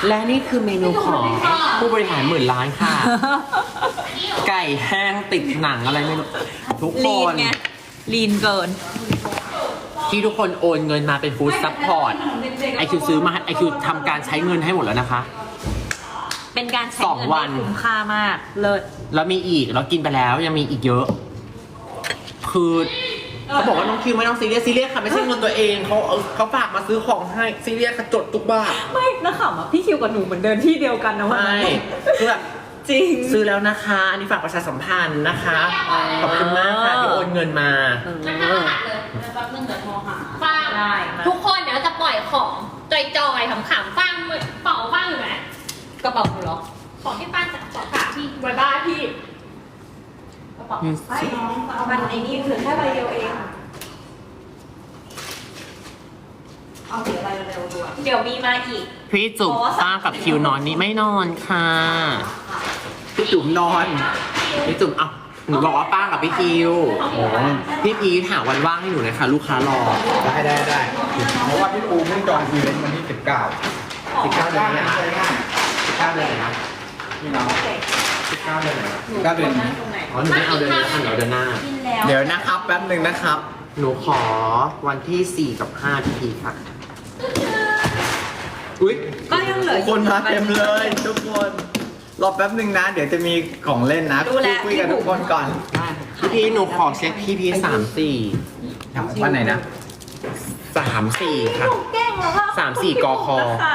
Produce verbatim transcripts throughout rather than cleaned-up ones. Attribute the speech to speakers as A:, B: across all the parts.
A: และนี่คือเมนูของผู้บริหารหมื่นล้านค่ะ ไก่แห้งติดหนังอะไรไม่รู้ทุกค
B: ลีน
A: น
B: ไงลีนเกิน
A: ที่ทุกคนโอนเงินมาเป็นฟู้ดซัพพอร์ตไอคิวซื้อมาไอคิวทำการใช้เงินให้หมดแล้วนะคะ
B: เป็นการใช้
A: สอง
B: เงิน
A: วัน
B: ที่คุ้มค่ามากเลิศ
A: แล้วมีอีกแล้วกินไปแล้วยังมีอีกเยอะ คือเขาบอกว่าน้องคิวไม่ต้องซีเรียสซีเรียสค่ะไม่ใช่เงินตัวเองเขาเอาเขาฝากมาซื้อของให้ซีเรียสค่ะจดทุกบาท
B: ไม่นะขำอ่ะพี่คิวกับหนูเหมือนเดินที่เดียวกันนะวัน
A: ไม่
B: นั้น
A: คือแบบ
B: จริง
A: ซื้อแล้วนะคะ อันนี้ฝากประชาสัมพันธ์นะคะ ขอบคุณมากค่ะที่โอนเงินมา
B: เออ
C: มันน่าหักเลยแป๊บนึงเดี๋ยวโทรหาฟัง
B: ได้มา
C: ทุกคนเดี๋ยวจะปล่อยของจอยๆขำๆฟังเป่าฟังอยู่ไหม
B: กระเป๋าหนูเหรอ
C: ของที่ป้าจะขอถามที่ไว้บ้านพี่กระเป๋า
B: ไม่น้องมันไอ้นี่เหลือแค่ใบเดียวเองเอาเสียอะไรเร็วๆด้วยเดี๋ยวมีมาอีก
A: พี่จุ๋มป้ากับคิวนอนนี่ไม่นอนค่ะ พี่จุ๋มนอน พี่จุ๋มเอาหนูบอกว่าป้ากับพี่คิวพี่พีถามวันว่างให้หนูหน่อยค่ะ ลูกค้ารอ
D: ได้ได้ได้เพราะว่าพี่ปูเพิ่งจองอีเวนต์วันที่สิบเก้า
A: สิบเก้าเดือนนี้นะสิบเก้าเดือนไหนนะ
D: พี่น้องสิบเก้าเดือนไหนสิบเก้าเดือนนี้
A: อ๋อหนูไม่เอาเดือนนี้แล้วค่ะหนูเอาเดือนหน้า
B: กินแล้ว
D: เดี๋ยวนะครับแป๊บหนึ่งนะครับ
A: หนูขอวันที่สี่กับห้าพี่พีค่ะ
D: อุ้ย
B: ก็ยังเหลือ
D: คนมาเต็มเลยทุกคนรอแป๊บหนึ่งนะ เดี๋ยวจะมีของเล่นนะ
B: ดูแล
D: คุยกับทุกคนก่อน
A: พี่พีหนูขอเช็คพี่พีสามสี่
D: วันไหนนะ
A: สามสี่ค่ะ
B: แกล้งแล้วว่า
A: สามสี่กค
B: นะคะ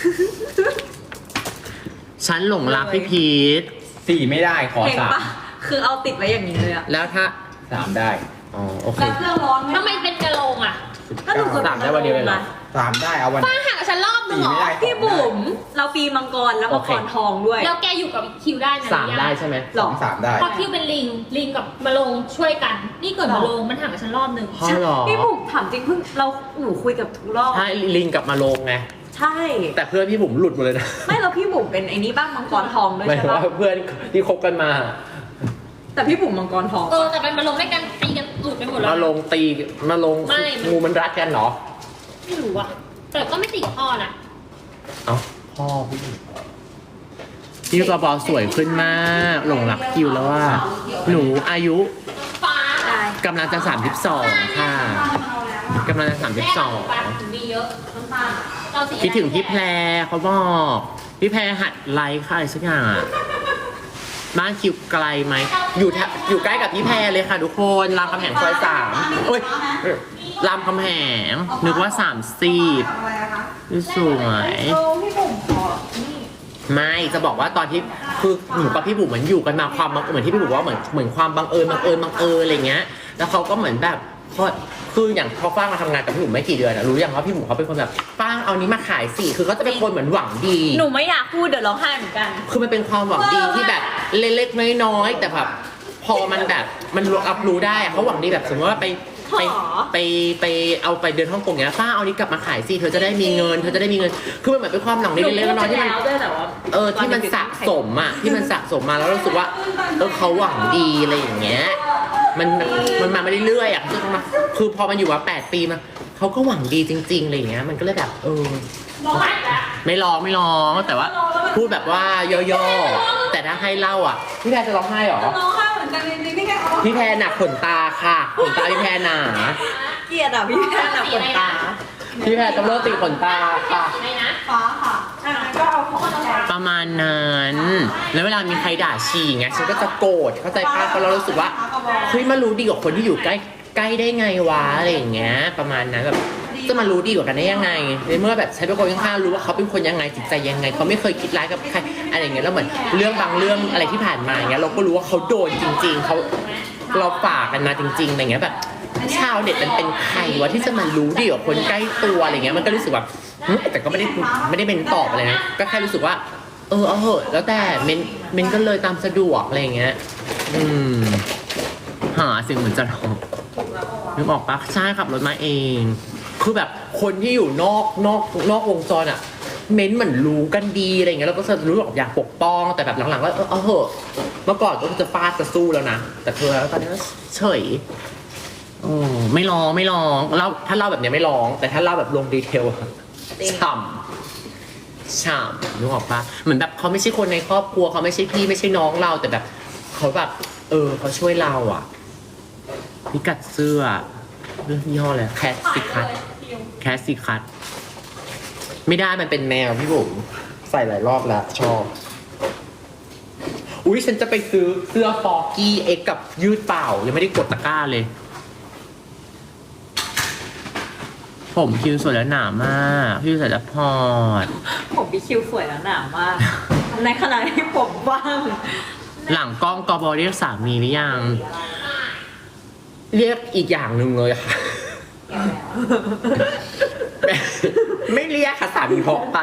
A: ฉันหลงรักพี่พีท
D: สี่ไม่ได้ขอ
B: เห็น
D: สาม
B: ปะคือเอาติดไว้อย่างนี้เลยอะ
A: แล้วถ้า
D: สามได้
A: อ๋อโอเค
B: แล้วเครื่องร้อนไหม
C: ทำไมเป็นกระโหลกอ่ะ
B: ก็หนู
A: สามได้วันเดียวเลยเหรอ
D: สามได้เอาวัน
C: ป้าห่างกับฉันรอบนึง
D: สี่
C: เหรอ
D: ไม่ได้
B: พี่บุ๋มเราปีมังกรแล้วมังกรทองด้วย
C: แล้วแกอยู่กับคิวได้นะ
A: สามได้ใช่ไหม
D: สองสามได้
C: เพราะคิวเป็นลิงลิงกับมาลงช่วยกัน นี่เกิดมาลงมันห่างกับฉันรอบนึง
A: พ่อหรอ
B: พี่บุ๋มถามจริงเพิ่งเราหนูคุยกับทุกรอบ
A: ใช่ลิงกลับมาลงไง
B: ใช่
A: แต่เพื่อนพี่บุ๋มหลุดหมดเลยนะ
B: ไม่แล้วพี่บุ๋มเป็นไอ้นี้บ้างมังกรทองด้วย
A: หมาย
B: ใช่
A: ถึง
B: ปะ
A: ว่าเพื่อนที่คบกันมา
B: แต่พี่บุ๋มมังกรทอง
C: เออแต่เป็นมาลงด้วยกันตีกันหลุดไปหมดแล้ว
A: มาลงตีมาลง
C: ไม่
A: งูมันรัดกันเหรอ
C: ไม่รู้อ่ะแต่ก็ไม่ติดกับพ่อนะ
A: เอ้าพ่อพี่พี่กระบอกสวยขึ้นมากหลงรักคิวแล้วว่า หนูอายุ
C: ฟ้า
B: ได้
A: กำลังจะสามสิบสองค่ะกำลังจะสามสิบสอง
C: แม่ถึงมีเยอะน้ำตาลเราสี
A: คิดถึงพี่แพรเขาบอกพี่แพรหัดไลค์ค่ะอะไรสักอย่างอะบ้านคิวไกลไหมอยู่แถอยู่ใกล้กับพี่แพรเลยค่ะทุกคนรามคำแหงซอยสามเอ้ยรามคำแหงนึกว่าสามสิบนี่สวย
B: โอ้พี่บุ๋มขอนี่
A: ไม่จะบอกว่าตอนที่คือหนูกับพี่บุ๋มเหมือนอยู่กันมาความบังเหมือนที่พี่บุ๋มว่าเหมือนเหมือนความบังเอิญบังเอิญบังเอิญอะไรเงี้ยแล้วเขาก็เหมือนแบบเขาคืออย่างเขาฟ้างมาทำงานกับพี่บุ๋มไม่กี่เดือนอะรู้อย่างว่าพี่บุ๋มเขาเป็นคนแบบฟ้างเอานี้มาขายสิคือเขาจะเป็นคนเหมือนหวังดี
B: หนูไม่อยากพูดเดี๋ยวร้องไห้เหมือนกัน
A: คือมันเป็นความหวังดีที่แบบเล็กๆน้อยๆแต่แบบพอมันแบบมันรับรู้ได้อะเขาหวังดีแบบสมมติว่าไปไป
B: หรอ
A: ไปไปเอาไปเดินฮ่องกงเนี้ยป้าเอานี้กลับมาขายสิเธอจะได้มีเงินเธอจะได้มีเงินคือมันเหมือนเป็นความหวังดีเล็กๆน้อยๆที่มัน
B: ด้วยแต่ว่า
A: เออที่มันสะสมอ่ะที่มันสะสมมาแล้วรู้สึกว่าเออเขาหวังดีอะไรอย่างเงี้ยมันมันมาไม่เรื่อยๆอ่ะคือมาคือพอมันอยู่มาแปดปีมาเขาก็หวังดีจริงๆอะไรอย่างเงี้ยมันก็เลยแบบเออ
C: ร้องไห้แล้ว
A: ไม่ร้องไม่ร้องแต่ว่าพูดแบบว่าย่อๆแต่ถ้าให้เล่าอ่ะพี่แพรจะร้องไห้เหรอ
B: ร้องไห้เหมือนกันจริงๆพี่แค่เอา
A: พี่แพรหนักขนตาค่ะขนตาพี่แพรหนา
B: เกลียดอ่ะพี่แค่หนักขนตา
A: พี่แพรต้องเลิกตีขนตาค่ะ
C: ไหนนะ
B: ฟ้าค่ะอ่ะก็เอาของมา
A: ประมาณนั้นแล้วเวลามีใครด่าชีอย่างเงี้ยฉันก็จะโกรธเข้าใจป้าเพราะเรารู้สึกว่าเฮ้ยมารู้ดีกว่าคนที่อยู่ใกล้ใกล้ได้ไงวะอะไรอย่างเงี้ยประมาณนั้นแบบจะมารู้ดีกว่ากันได้ยังไงในเมื่อแบบใช้เป็นคนข้างๆรู้ว่าเขาเป็นคนยังไงจิตใจยังไงเขาไม่เคยคิดร้ายกับใครอะไรอย่างเงี้ยแล้วเหมือนเรื่องบางเรื่องอะไรที่ผ่านมาอย่างเงี้ยเราก็รู้ว่าเขาโดนจริง ๆเขาเราฝากกันมาจริงๆอะไรเงี้ยแบบชาวเน็ตมันเป็นใครวะที่จะมารู้ดีกว่าคนใกล้ตัวอะไรเงี้ยมันก็รู้สึกแบบหึแต่ก็ไม่ได้ไม่ได้เป็นตอบอะไรนะก็แค่รู้สึกว่าเออเอาเหอะแล้วแต่เมนเมนก็เลยตามสะดวกอะไรอย่างเงี้ยอืมหาสิ่งเหมือนจะทำนึกออกปะใช่ขับรถมาเอง คือแบบคนที่อยู่นอกนอกนอกวงจรอะเม้นเหมือนรู้กันดีอะไรเงี้ยแล้วก็จะรู้แบบอยากปกป้องแต่แบบหลังๆก็เออเอาเหอะเมื่อก่อนก็จะฟาดจะสู้แล้วนะแต่เธอแล้วตอนนี้ก็เฉยโอ้ไม่ร้องไม่ร้องเล่าถ้าเล่าแบบเนี้ยไม่ร้องแต่ถ้าเล่าแบบลงดีเทลอะฉ่ำฉ่ำนึกออกปะเหมือนแบบเขาไม่ใช่คนในครอบครัวเขาไม่ใช่พี่ไม่ใช่น้องเราแต่แบบเขาแบบเออเขาช่วยเราอ่ะพิกัดเสื้อเรื่องยี่ห้ออะไรแคสซิคัทแคสซิคัทไม่ได้มันเป็นแมวพี่บุ๋มใส่หลายรอบแล้วชอบอุ้ยฉันจะไปซื้อเสื้อฟอกกี้เอ็กกับยืดเปล่ายังไม่ได้กดตะกร้าเลยผมคิวสวยแล้วหนามากพี่ใส่แล้วพอด
B: ผมพี่คิวสวยแล้วหนามาก ในขณะที่ผมว่าง
A: หลังกล้องกบเรียกสามีหรือยัง เรียกอีกอย่างหนึ่งเลยค่ะ ไม่เรียกค่ะสามีพกไป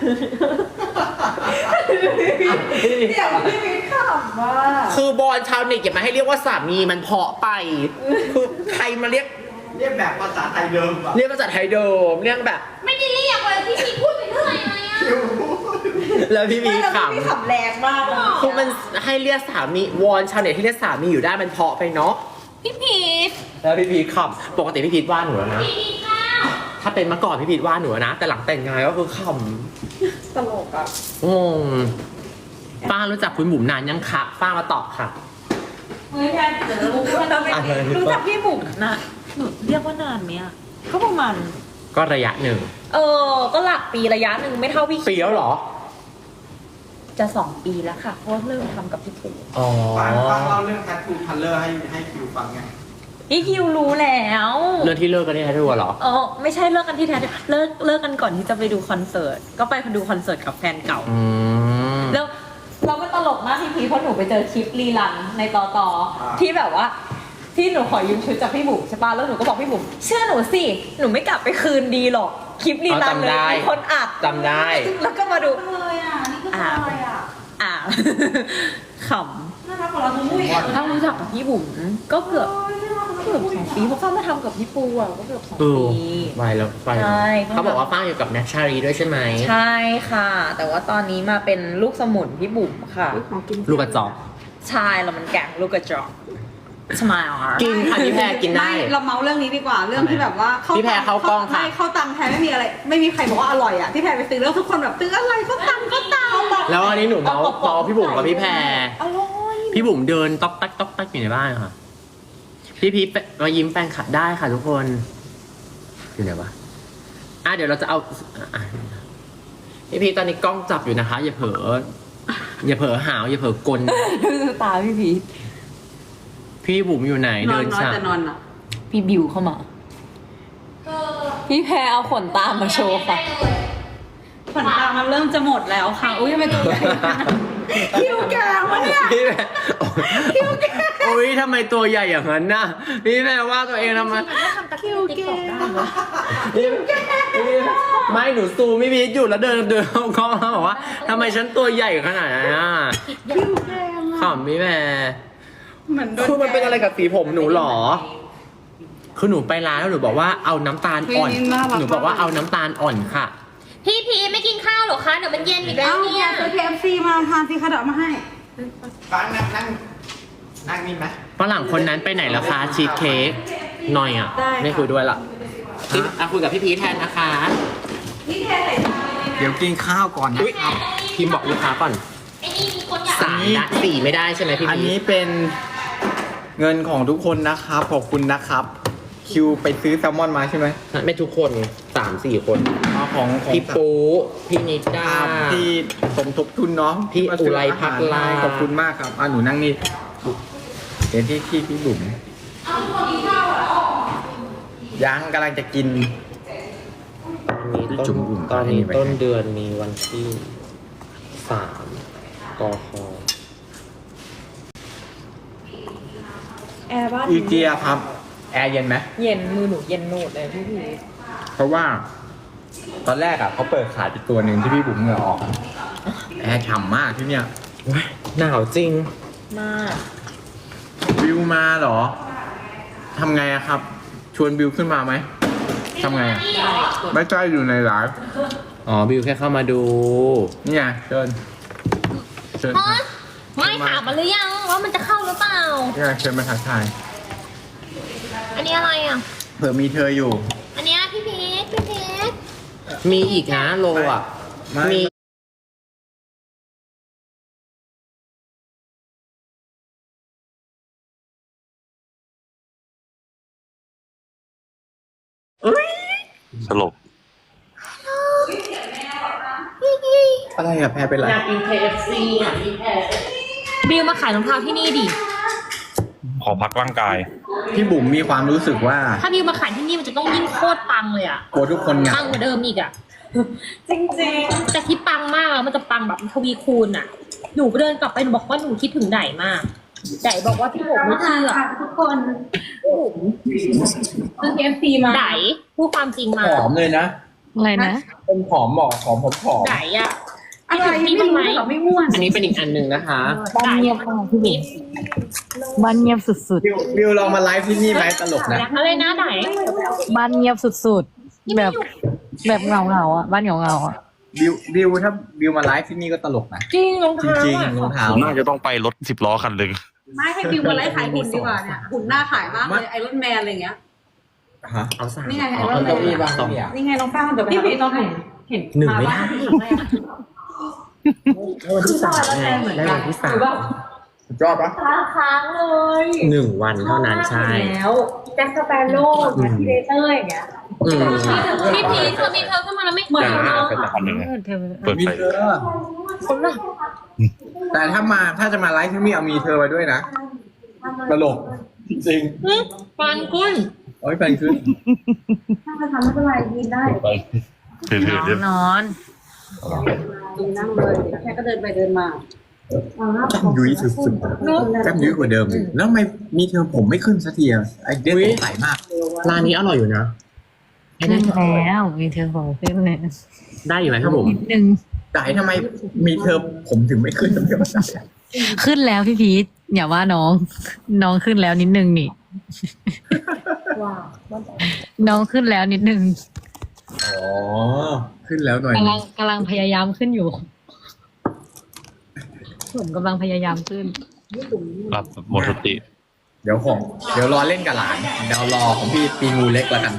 B: เดี๋ยวพี่มิ้นขำว่า
A: คือบอลชาวเน็ตอย่ามาให้เรียกว่าสามีมันเพาะไปคือใครมาเรียก
D: เรียกแบบภาษาไทยเดิมป่ะ
A: เรียกภาษาไทยเดิมเรียกแบบ
C: ไม่ได้เรียกเลยพี่พีพูดไปเรื่อยเลยอะ
A: แล้วพี่มี
B: ไม่แล้ว
A: ข
B: พี่ขำแรงมากเลย
A: ำคือมันให้เรียกสามีวอนชาวเน็ตที่เรียกสามีอยู่ได้มันเพาะไปเนาะ
C: พี่พีท
A: แล้วพี่พีทขำปกติพี่พีทว่าหนูแล้วนะ
C: พี่พีทข้าว
A: ถ้าเป็นเมื่อก่อนพี่พีทว่าหนูนะแต่หลังแต่งงานก็คือข
B: ตลกอ่ะ
A: ำงงป้ารู้จักคุณบุ๋มนานยังคะป้ามาตอบค่ะ
B: เฮ้ยแทนเดี๋ยวรู้ว่าเราไม่
A: อะไร
B: รู้จักพี่บุ๋มนะหนูเรียกว่านานไหมอ่ะก็ประมาณ
A: ก็ระยะหนึ่ง
B: เออ ก็หลักปีระยะหนึ่งไม่เท่าพี่
A: ปีแล้วเหรอ
B: จะสองปีแล้วค่ะเพราะว่าเริ่มทำกับพี่ปู่
A: อ๋อ
D: ฟังฟังเล่าเรื่อง Tattoo Color ให้ให้คิวฟังไง
B: พี่คิวรู้แล้ว
A: เรื่องที่เลิกกันนี่แท้ด้วยเหรอ
B: เออไม่ใช่เลิกกันที่แท้เลิกเลิกกันก่อนที่จะไปดูคอนเสิร์ตก็ไปดูคอนเสิร์ตกับแฟนเก่า
A: อืม
B: แล้วเราก็ตลกมากพี่พีชเพราะหนูไปเจอคลิปรีลันในต่อต่อที่แบบว่า ที่หนูขอยืมชุดจากพี่บุ๋มใช่ป่ะแล้วหนูก็บอกพี่บุ๋มเชื่อหนูสิหนูไม่กลับไปคืนดีหรอกคลิปรีลันเลยมีคนอัด
A: จำได้
B: แล้วก็มาดู
E: เลยอ่ะ นี่ก็เลยอ่ะ
B: อ่า ข
E: น่ารักกว่าเราทุกผู้อีก
B: ำถ้ารู้จักกับพี่บุ๋มก็เกือบเกือบสองปีเพราะเขามาทำกับพี่ปูอ่ะก็เกือบสอง
A: เออ
B: ปี
A: ไปแล้วไปแล้ว
B: ใช่
A: เขาบอกว่าป้าอยู่กับแน็กชารีด้วยใช่ไหม
B: ใช่ค่ะ แต่ว่าตอนนี้มาเป็นลูกสมุนพี่บุ๋มค่ะ
A: ลูกกระจอก
B: ใช่แล้วมันแกงลูกกระจอกสมายอ่ะ
A: กินค่ะพี่แพรกินได้
E: ไม่เราเมาเรื่องนี้ดีกว่า เรื่องที่แบบว่า
A: พี่แพรเข้ากล้องค่ะ
E: ไม่เข้าตังค์แพรไม่มีอะไร ไม่มีใครบอกว่าอร่อยอ่ะ ที่แพรไปซื้อแล้วทุกคนแบบซื้ออะไรเข้าตังค์เข้าตังค์
A: แล้วอันนี้หนูเมาส์เมาส์พี่บุ๋มกับพี่แพร
B: อร่อย
A: พี่บุ๋มเดินต๊อกแต๊กต๊อกแต๊กอยู่ในบ้านค่ะ พี่พีทมายิ้มแฟนคลับได้ค่ะทุกคน อยู่ไหนวะ อ่ะเดี๋ยวเราจะเอาอ่ะพี่พีทตอนนี้กล้องจับอยู่นะคะ อย่าเผลอ อย่าเผลอหาวอย่าเผลอกล
B: ดูตาพี่พีช
A: พี่บุ๋มอยู่ไหน
E: นอ
A: เดิ
E: น
A: น
E: น้อย
A: ฉาก
E: แต่นอนอ่ะ
B: พี่บิวเข้ามา พี่แพรเอาขนตามมาโชว์ค่ะ
E: ขนตามันเริ่มจะหมดแล้วค่ะ อุ้ยทำไมตัวใหญ่ขนาดนั้นคิ้วแกงวะเนี่ย
A: พี่แม่โอ้ยทำไมตัวใหญ่อย่างนั้นน่ะ พี่แม่ว่าตัวเองทำไม
C: ก็ทำตะคิวติ๊กต็อกได้เหรอ
A: พี่พี่ไม่หนูซูมพี่พีทอยู่แล้วเดินเดินเข้ากล้องแล้วบอกว่าทำไมฉันตัวใหญ่ขนาดนั้นอ่ะ
E: คิ้วแกง
A: ขำพี่แม่
E: เหมือนโดน
A: คือมันเป็นอะไรกับสีผมหนูหรอ คือหนูไปร้านแล้วหนูบอกว่าเอาน้ำตาลอ่อน หนูบอกว่าเอาน้ำตาลอ่อนค่ะ
C: พี่พีทไม่กินข้าวเหรอคะเดี๋ยวมันเย็นอีกแล้
E: เอ้าว
C: เนี่ย
E: ซื้อ เค เอฟ ซี มาทานสิคะเดี๋ยวเอามาให้
D: ฟังนั่งนั่งนั่งนี่ไหม
A: ฝรั่งคนนั้นไปไหนแล้วคะชีสเค้กหน่อยอ่ะ ไม่คุยด้วยละพี่อ่ะคุยกับพี่พีทแทนนะคะ
D: เดี๋ยวกินข้าวก่อนนะ
A: อุ๊ยพิมพ์บอกลูกค้าก่อน
C: ไอ้นี่มีคนอยาก
A: สามละสี่ไม่ได้ใช่ไหมพี่
D: อัน
A: พี
D: นี้
A: ท
D: เป็นเงินของทุกคนนะครับขอบคุณนะครับ คิวไปซื้อแซลมอนมาใช่ไหม
A: ไม่ทุกคนสามสี่คน
D: เอาของของ
A: พี่ปูพี่นิด้า
D: ที่สมทบทุนเนาะ
A: พี่
D: มาซื้
A: อุไรพักลา
D: ขอบคุณมากครับอ่ะหนูนั่งนี่เดี๋ยวที่ที่พี่บุ๋มยังกำลังจะกิน
A: ตอนนี้
D: จุ๋
A: ต้น
D: มบุ๋ม
A: ตอนนี้
D: ให้ไป
A: ต้นเดือนมีวันที่สามกค
B: แอร์บ้าน
D: อีเกียครับ แอร์เย็นไหม
B: เย็นมือหนูเย็นโนดเลยพี่พีช
D: เพราะว่า ตอนแรกอ่ะเขาเปิดขายอีกตัวหนึ่งที่พี่บุ๋มเหงื่อออก แอร์ฉ่ำมากที่เนี่ย
A: หนาวจริง
B: มาก
D: บิวมาเหรอทำไงอะครับ ชวนบิวขึ้นมาไหมทำไงอะไม่ใช่อยู่ในไลฟ์
A: อ๋อ บิวแค่เข้ามาดู
D: นี่ไงเชิญเชิญ
C: ฮะไม่ถามมันหรือยังว่ามันจะเข้าหรือเปล่า
D: นี่ไงเชิญมาทักทาย
C: อันนี้อะไรอ่ะ
D: เผื่อมีเธออยู่
C: อันเนี้ยพี่พีทพี่พีท
A: มีอีกนะโลอ่ะ
D: ไม่
A: มีอุ๊ย
F: สลบ
D: อะไรอะแพรเป็นไร
A: อยากกิน เค เอฟ ซี อ่ะพี่แพร
C: บิวมาขายรองเท้าที่นี่ดิ
F: ขอพักร่างกาย
D: พี่บุ๋มมีความรู้สึกว่า
C: ถ้าบิวมาขายที่นี่มันจะต้องยิ่งโคตรปังเลยอะ
D: กลัวทุกคนเหงา
C: ปังกว่าเดิมอีกอะ
B: จริง
C: แต่ที่ปังมากอะมันจะปังแบบทวีคูณอะหนูเดินกลับไปหนูบอกว่าหนูคิดถึงไดมากไดบอกว่าพี่ผมไม่เชื่อ
E: ทุกคนซื้อ เค เอฟ ซี มา
C: ไดพูดความจริงมา
D: ผอมเลยนะ
B: อะไรนะ
D: เป็นผอมหมอกผอมผมผอม
C: ไดอะ
E: อะไร
C: คิด
E: ไม่
C: ถึง
E: รู้
C: พี่
E: เหร
C: บ้างไหม
E: อไม่ม่วน
A: อันนี้เป็นอีกอันหนึ่งนะคะ
B: บ้านเงียบมากพี่บุ๋มบ้านเงียบสุด
D: บิวบิวลองมาไลฟ์ที่นี่ไหมตลกนะ
C: อะไรนะได
B: ๆ บ้านเงียบสุดๆ แบบแบบเงาเงาๆอ่ะ บ้านเงาเงาๆอ่ะ
D: บิวบิวถ้าบิวมาไลฟ์ที่นี่ก็ตลกนะ
C: จริงรอง
D: จ
C: เท้า
D: ริง
C: อะ
D: ๆรองเท้า
F: ผมน่าจะต้องไปรถสิบล้อคันหนึ่ง
E: ไม่ให้บิวมาไล่ขายหุ่นดีกว่าเนี่ยหุ่นหน้าขายมากเลยไอรอนแมนอะไรเงี้ย
D: ฮะ
A: เอาสาม
E: นี่ไง
A: อ๋อเอาเก้าอี้วางสอง
E: นี่ไงน้องป้าเดี๋ยวไปหาพี่ต้องเห็นเห็น
A: หนึ่งไม่ได้
E: าบ้า
A: แล้ววันที่สามไงแล้ววันที่สาม
D: สุดยอดปะ
B: ค้างเลย
A: หนึ่งวันเท่านั้นใช่
B: แล้วแจ็คสเปโร่แจ็คทีเดเตอร์อย่างเงี้ย
A: อืม
C: พี่พีชเธอมีเธอขึ้นมาแล้วไม่เหมือน
F: แต่
C: เนาะ
F: เป็นคันหนึ่ง
B: เออเธอ
F: เปิด
D: มี
F: ไฟ
D: เธอแต่ถ้ามาถ้าจะมาไลฟ์ที่นี่เอามีเธอไว้ด้วยนะตลกจริง
C: ปังกุ้น
D: ๆโอ้ยแฟนขึ้น
E: ถ้าจะทำไม่เป็นไรกินได้
F: ถือถือเดี๋ยวน
B: อน
E: กินนั่งเลยแค่ก็เดินไปเดินมา
D: แก้มยุ้ยสุดๆแก้มยุ้ยกว่าเดิมอีกแล้วทำไมมีเธอผมไม่ขึ้นสักทีอะไอเดียสงสัยมาก
A: ร้านนี้อร่อยอยู่นะ
B: ขึ้นแล้วมีเธอบอกขึ้นเลย
A: ได้อยู่ไหมครับผม
B: นิดนึง
D: แต่ทำไมมีเธอผมถึงไม่ขึ้น
B: ขึ้นแล้วพี่พีทอย่าว่าน้อง น้องขึ้นแล้วนิดนึงนี่น้องขึ้นแล้วนิดนึง
D: อ๋อ ขึ้นแล้วหน่อย
B: กำลังกำลังพยายามขึ้นอยู่ ผมกำลังพยายามขึ้น
F: รับหมดสติ
D: เดี๋ยวของเดี๋ยวรอเล่นกับหลาน เดี๋ยวรอของพี่ปีงูเล็กแล้วกัน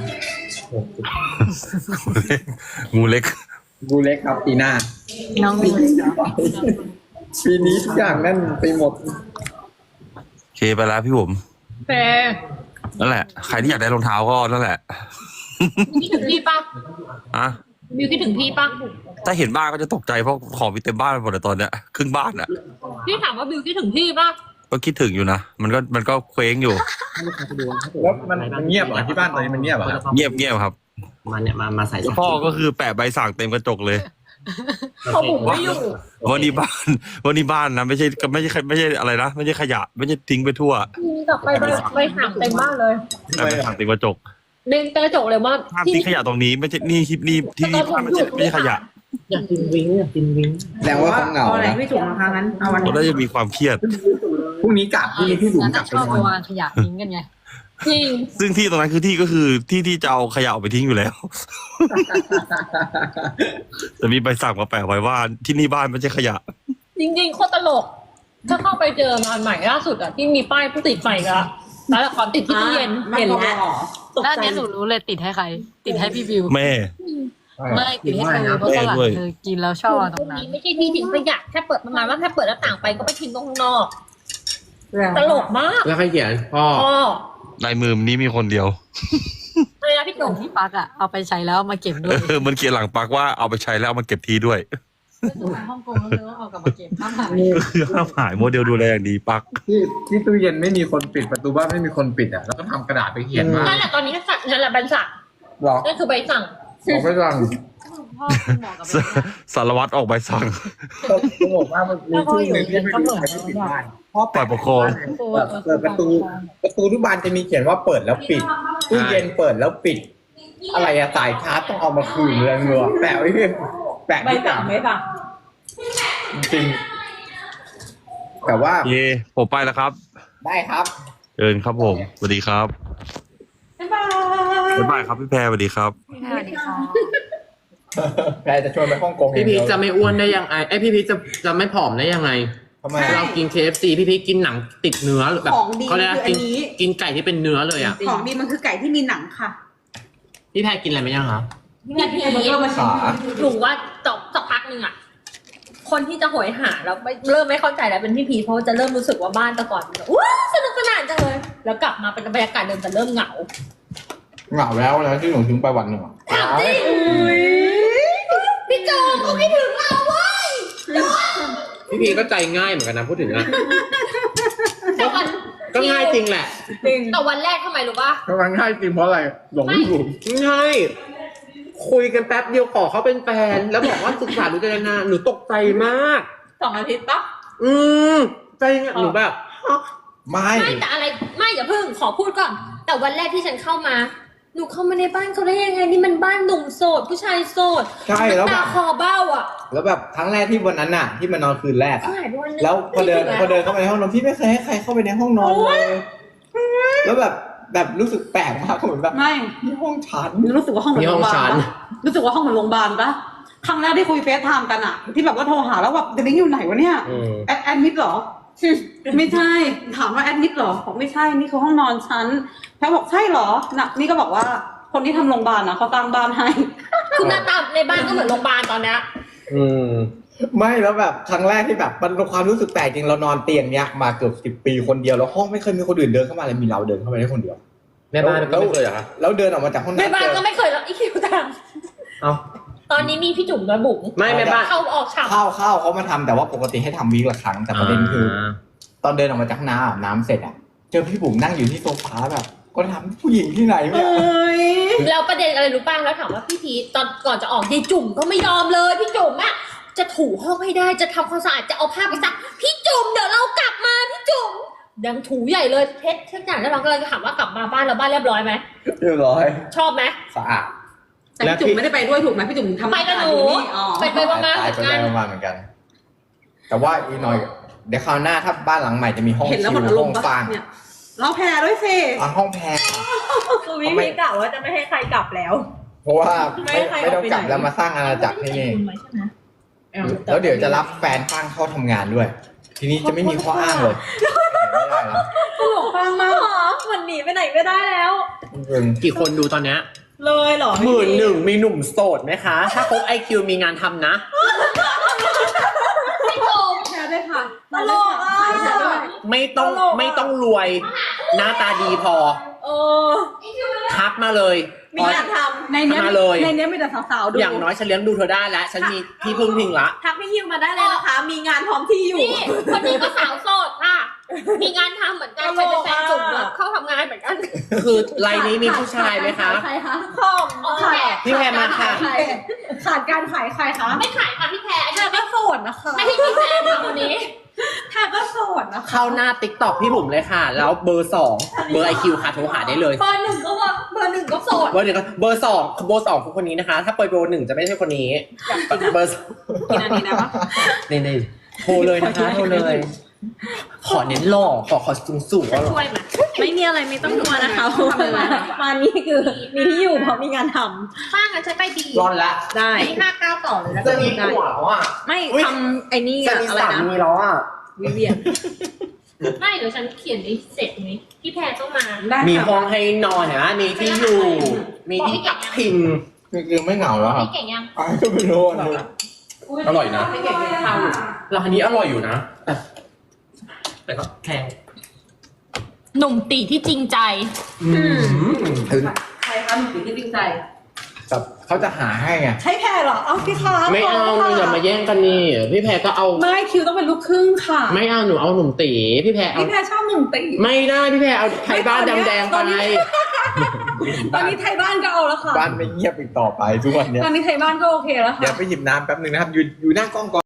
F: งูเล็ก
D: งูเล็กครับปีหน้า
B: น้อง
D: ปีนี้ทุกอย่างนั่นไปหมด
F: โอเคไปแล้วพี่ผม
C: แฟร์
F: นั่นแหละ ใครที่อยากได้รองเท้าก็นั่นแหละ
C: คิดถึงพี่ปะ
F: อะ
C: บิวคิดถึงพี่ปะ
F: ถ้าเห็นบ้านก็จะตกใจเพราะของมีเต็มบ้านไปหมดเลยตอนเนี้ยครึ่งบ้านอ่ะ
C: พี่ถามว่าบิวคิดถึงพี่ปะ
F: ก็คิดถึงอยู่นะ มันก็มันก็เคว้งอยู่
D: แล้วมันมันเงียบเหรอที่บ้านตอนนี้มันเงียบเหรอครับ
F: เงียบเงียบครับ
A: มาเนี่ยมามาใส่
F: แล้วพ่อก็คือแปะใบสั่งเต็มกระจกเลย
C: เขาบุกไม่อยู่
F: วันนี้บ้านวันนี้บ้านนะไม่ใช่ก็ไม่ใช่ไม่ใช่อะไรนะไม่ใช่ขยะ ไม่ใช่ทิ้งไปทั่ว
C: กลับไปไปไปห่างเต็มบ้านเลย
F: แต่ใบสั่งเต็มกระจก
C: เดินกระจกเลยว่า
F: ห้ามทิ้งขยะตรงนี้ไม่ใช่นี่ที่นี่ที่นี่บ้านไม่ใช่ไม่ใช่ขยะ
A: อยากกินวิ้งอยากกินวิ้ง
D: แสดงว่าเขาเหงา
E: เอาอะไร
D: นะ
E: พี่จุ๋มมาครั้งนั้นเอาวัน
F: เราได้จะมีความเครียด
D: พรุ่งนี้กลับพรุ่งนี้พี่บุ๋มกลับ
B: ช
D: ไป
B: อบ
D: น
B: ไป
D: อน
B: วางขยะทิ้งกันไง
C: จริง
F: ซึ่งที่ตรงนั้นคือที่ก็คือที่ที่จะเอาขยะออกไปทิ้งอยู่แล้ว แต่มีใบสั่งมาแปะไว้ว่าที่นี่บ้านไม่ใช่ขยะ
C: จริงๆโคตรตลก ถ้าเข้าไปเจองานใหม่ล่าสุดอะที่มีป้ายผู้ติดไฟก็แล้วละครติดที่ตู้เย็นเห็นแล้วตก
B: แล้วอัน
C: ใจ
B: เนี้ยหนูรู้เลยติดให้ใคร ติดให้พี่บิว
F: แม่
B: ไม่ติดให้เธอเพราะตอนหลังเธอกินแล้วชอบเอาตรงนั้น
C: นี้ไม่ใช่ที่ทิ้งขยะแค่เปิดประมาณว่าแค่เปิดหน้าต่างไปก็ไปทิ้งตรงข้างนอก ตลกมาก
A: แล้วใครเขียนพ่อ
C: พ่อ
F: ในมือนี้มีคนเดียว
C: อะไรนะพี่หนุ่ม
B: ที่ปักอะเอาไปใช้แล้วเอามาเก็บด้วย
F: เออมันเขียนหลังปักว่าเอาไปใช้แล้วเอามาเก็บทีด้วย
B: ไปฮ่องกงแล้วเธอก็เอากลับมาเก็บห้ามหาย
F: ก็คือห้ามหายโมเดลดูแลอย่างดีปัก
D: ที่ที่ตู้เย็นไม่มีคนปิดประตูบ้านไม่มีคนปิดอ่ะแล้วก็ทำกระดาษไปเขียนว่า
C: นั่นแหละตอนนี้ก็สั่งนั่นแหละใบสั่ง
D: หรอ
C: นั่นคือใบสั่ง
D: ผมไม่ฟัง
B: พ่อคุณหมอกับแม่
F: สารวัตรออกใบสั่ง
D: ผมบอกว่ามันมีช่วงหนึ่งที่ไม่มีใครไม่ปิดบ้านพ่อ
F: ฝ่ายปกครอง
D: เปิดประตู ประตูทุกบานจะมีเขียนว่าเปิดแล้วปิดตู้เย็นเปิดแล้วปิด อะไรอะสายชาร์จต้องเอามาคืนเลยเงือแปะไว้ที่แปะ
E: ใบ
D: ที่
E: สั่
D: ต่าง ง
E: ไหมสั่ง
D: จริงๆแต่ว่า
F: เย่ผมไปแล้วครับ
D: ได้ครับ
F: เชิญครับผมสวัสดีครับ
E: บ๊ายบาย
F: บ๊ายบายครับพี่แพรสวัสดีครับ
B: สวัสดีค่ะ
D: แพรจะชวนไปฮ่องกง
A: พี่พีชจะไม่อ้วนได้ยังไงไอยพี่พีชจะจะไม่ผอมได้ยังไง
D: ทำไม
A: เรากิน เค เอฟ ซี พี่พีชกินหนังติดเนื้อแบบ
E: ของดี
A: เขาเรียกว่า
E: คืออั
A: กิ
E: น
A: น
E: นี้
A: กินไก่ที่เป็นเนื้อเลยอ่ะ
E: ของดีมันคือไก่ที่มีหนังค่ะ
A: พี่แพรกินอะไรไหมยังคะ
C: พี่พี
E: เบอร์เกอร์มาชิม
D: ขา
C: หนูว่าจบสักพักหนึ่งอะคนที่จะโหยหาแล้วไม่เริ่มไม่เข้าใจแล้วเป็นพี่พีเพราะว่าจะเริ่มรู้สึกว่าบ้านแต่ก่อนมันแบบว้าวสนุกสนานจังเลยแล้วกลับมาเป็นบรรยากาศเดิมแต่เริ่มเหงา
D: เหงาแล้วนะที่หนูทิ้งไปวันหนึ่งอะ
C: ถามจริงพี่โจงเขาคิดถึงเราเว้ย
A: พี่พีก็ใจง่ายเหมือนกันนะพูดถึงอะ
C: แต่วัน
A: ก็ง่ายจริงแหละ
C: แต่วันแรกทำไมรู้ป่ะ
D: กำลังง่ายจริงเพราะอะไรหลงไม่ถูก
A: ง่ายคุยกันแป๊บเดียวขอเขาเป็นแฟน แล้วบอกว่าศึกษาดูใจนานหนูตกใจมาก
B: สองอาทิตย์ปะ
A: อืมใจเงี้ยหนูแบบฮะ
D: ไม่
C: ไม่แต่อะไรไม่อย่าเพิ่งขอพูดก่อน แต่วันแรกที่ฉันเข้ามาหนูเข้ามาในบ้านเขาได้ยังไงนี่มันบ้านหนุ่มโสดผู้ชายโสด
D: ใช่แล้วแบ
C: ตา
D: บ
C: คอเบ้าอ่ะ
D: แล้วแบบครั้งแรกที่วันนั้นน่ะ ที่มานอนคืนแรกอะ
C: หายไปวันนึง
D: แล้วพอเดิน
C: ไม่
D: พอ
C: ถึง
D: เดินเข้าไปในห้องนอนพี่ไม่เคยให้ใครเข้าไปในห้องนอนเลยแล้วแบบแบบรู้สึกแปลกมากเหมือนแบบ
E: ไม่
D: นี่ห้องฉัน
E: รู้สึกว่าห้องเหมือนโรงพยาบาลปะรู้สึกว่าห้องเหมือนโรงพยาบาลปะครั้งแรกที่คุยเฟซไทม์กันอะที่แบบว่าโทรหาแล้วแบบเดลิงอยู่ไหนวะเนี่ย
A: อืม
E: แอดแอดมิดเหรอ ไม่ใช่ ถามว่าแอดมิดเหรอบอกไม่ใช่นี่คือห้องนอนฉันแพรบอกใช่เหรอน่ะนี่ก็บอกว่าคนที่ทำโรงพยาบาลนะเขาตั้งบ้านให้
C: คือหน้าตาในบ้านก็เหมือนโรงพยาบาลตอนเนี้ย
A: อืม
D: ไม่แล้วแบบครั้งแรกที่แบบมันเป็นความรู้สึกแปลกจริงเรานอนเตียงเนี้ยมาเกือบสิบปีคนเดียวแล้วห้องไม่เคยมีคนอื่นเดินเข้ามาเลยมีเราเดินเข้าไปได้คนเดียว
A: แม่บ้านก็ไม่เคยเหรอคะ
D: แล้วเดินออกมาจากห้อง
C: ใน
D: น้ำ
C: บ้าน
D: เจ
C: ก็
D: อ
C: ไม่เคยแล้วอีคิวตาม
A: เอา
C: ตอนนี้มีพี่จุ๋มด้วยบุ๋ม
A: ไม่แม่บ้าน
C: เข้าออกฉาก
D: เข้าเข้าเขามาทำแต่ว่าปกติให้ทำวีคละครั้งแต่ประเด็นคือ ตอนเดินออกมาจากห้องน้ำอาบน้ำเสร็จอ่ะเจอพี่บุ๋มนั่งอยู่ที่โซฟาแบบก็ทำผู้หญิงที่ไหน
E: เอ
D: เนี่ย
E: ้ย
C: แล้วประเด็นอะไรรู้ป่ะแล้วถามว่าพี่พีทตอนก่อนจะออกยายจุ๋มก็ไม่ยอมเลยพี่จุ๋มอะจะถูห้องให้ได้จะทำความสะอาดจะเอาผ้าไปซักพี่จุ๋มเดี๋ยวเรากลับมาพี่จุ๋มยังถูใหญ่เลยเพชรทุกอย่างแล้วเราก็เลยถามว่ากลับมาบ้านเราบ้านเรียบร้อยไหม
D: เรียบร้อย
C: ชอบไหม
D: สะอาด
E: แต่พี่จุ๋มไม่ได้ไปด้วยถูกไหมพี่จุ๋มทำ
C: ไปกับหนู
E: อยู่อ๋อ
C: ไปไปมาๆเห
D: ไป
C: มือน
D: ไป
C: กัน
D: มาๆเหมือนกัน แต่ว่าอีกหน่อยเดี๋ยวคราวหน้าถ้าบ้านหลังใหม่จะมีห้อง
E: เห็นแล้วหมดอา
D: ชิ
E: ร
D: ห้
E: ม
D: อง
E: ณ์ปะ
D: ฟาง
E: เนี่ยเราแพรด้วยสิ
D: อ่ะห้องแพร
B: คือวิธีกล่าวว่าจะไม่ให้ใครกลับแล้ว
D: เพราะว่า
B: ไม่
D: ไม่
B: ให้ใคร
D: ไม่ต้อง
B: เอาไป
D: กลับ
B: ไหน
D: แล้วมาสร้างอาณาจักรที่นี่แล้วเดี๋ยวจะรับแฟนฟางเข้าทำงานด้วย ทีนี้จะไม่มีข้ออ้างเลยไม่ได้แล้ว
E: ตลกฟังมาก
B: หรอมันหนีไปไหนไม่ได้แล้ว
D: จริง
A: กี่คนดูตอนเนี้ย
B: เลยเหรอ
A: หมื่นหนึ่งมีหนุ่มโสดไหมคะ ถ้าครบไอคิวมีงานทำนะ
C: พี่จุ๋ม
E: แพรด้วยค่ะ
B: ตลกอ่ะ
E: ใครแพรด้วย
A: ไม่ต้อง
B: ตลกอะ
A: ไม่ต้องรวย หน้าตาดีพอ
B: เออ
A: ทักมาเลย
B: มีงานท
E: ในเนี้ย
A: มาเลย
E: ในเนี้ยมีแต่สาวๆดู
A: อย่างน้อยฉันเลี้ยงดูเธอได้แล้ว ฉันมีที่พึ่งพิงละ
B: ำทักพี่ฮิวมาได้เลยนะคะ มีงานพร้อมที่อยู่
C: นี่คนนี้ก็สาวโสดค่ะ มีงานทำเหมือนกันใครเป็นแฟนจุ๋มแล้วเข้าทำงานเหมือนกัน
A: คือไลน์นี้มีผู้ชายไหมคะ
E: ใครคะ
B: คอม
C: โอเค
A: พี่แพรมาค่ะ
E: ใครขาดการขายใครคะ
C: ไม่ขายค่ะพี่แพรอัน
B: แท
C: นี้
B: ก็โสดนะคะ
C: ไม่ให้พี่แพรค่ะคนนี้
B: แทก็โสดนะคะ
A: เข้าหน้าติ๊กต็อกพี่บุ๋มเลยค่ะ แล้วเบอร์สองเบอร์ไอคิวค่ะโทรหาได้เลย
C: เบอร์หนึ่งก็ว่าเบอร์หนึ่งก็โสด
A: เบอร์หนึ่งก็เบอร์สองเบอร์สองคือคนนี้นะคะ ถ้าเปิดเบอร์หนึ่งจะไม่ใช่คนนี้เบอร์
E: กินอันนี้ได้ปะ
A: นี่นี่โทรเลยนะคะโทรเลย ขอเน้นหล่อขอขอสูงสูงๆว่าหล่อ
C: ช่วยไหม
B: ไม่มีอะไรไม่ต้องกลัวนะคะเพราะว่ามานี่คือมีที่อยู่เพราะมีงานท
C: ป้างั้นใช้ไปดี
A: ร้อนละ
B: ำได้
C: ห้าเก้าต่อเลยแล้ว
A: จะมีผัวแล้วอ่ะ
B: ไม่
A: อุ๊ย
B: ทำไอ้นี่
A: จะ
B: อะ
A: มี
B: อะไร
A: สา
B: นะ
A: มีแล้วอ่ะ
B: วิเวียน
C: ไม่เดี๋ยวฉันเขียนนี้เสร็จนี้พี่แพรต้องมา
E: ได้
A: มี
E: ค่ะ
A: ห้องให้นอนนะมีที่อยู่ มีที่พักพิง
D: จริงๆไม่เหงาแล้วครับ
C: พี่เก่งยัง
D: อ้าวก็ไม่รู้อ่ะ
A: อร่อยนะ
E: ไม่เก่งเป็นข้าวอยู่
A: ร้านนี้อร่อยอยู่นะแต่แต่ก็แพง
C: หนุ่มตีที่จริงใจ
D: ถึง
E: ใครคะหนุ่มตีที่จริงใจ
D: แบบเขาจะหาให้ไง
E: ใช่แพรเหรอ เอาพี่คะ
A: ไม่เอาหนูอย่ามาแย่งกันนี่พี่แพรก็เอา
E: ไม่คิวต้องเป็นลูกครึ่งค่ะ
A: ไม่เอาหนูเอาหนุ่มตีพี่แพรเอา
E: พี่แพรชอบหนุ่มตี
A: ไม่ได้พี่แพรเอาไทยบ้านดำแดงไป
E: ตอนนี้ ตอนนี้ไทยบ้านก็เอาแล้วค่ะ
D: บ้านไม่เงียบอีกต่อไปทุกวันเนี้ย
E: ตอนนี้ไทยบ้านก็โอเคแล้วค่ะ
D: เดี๋ยวไปหยิบน้ำแป๊บนึงนะครับ อยู่อยู่หน้ากล้องก่อน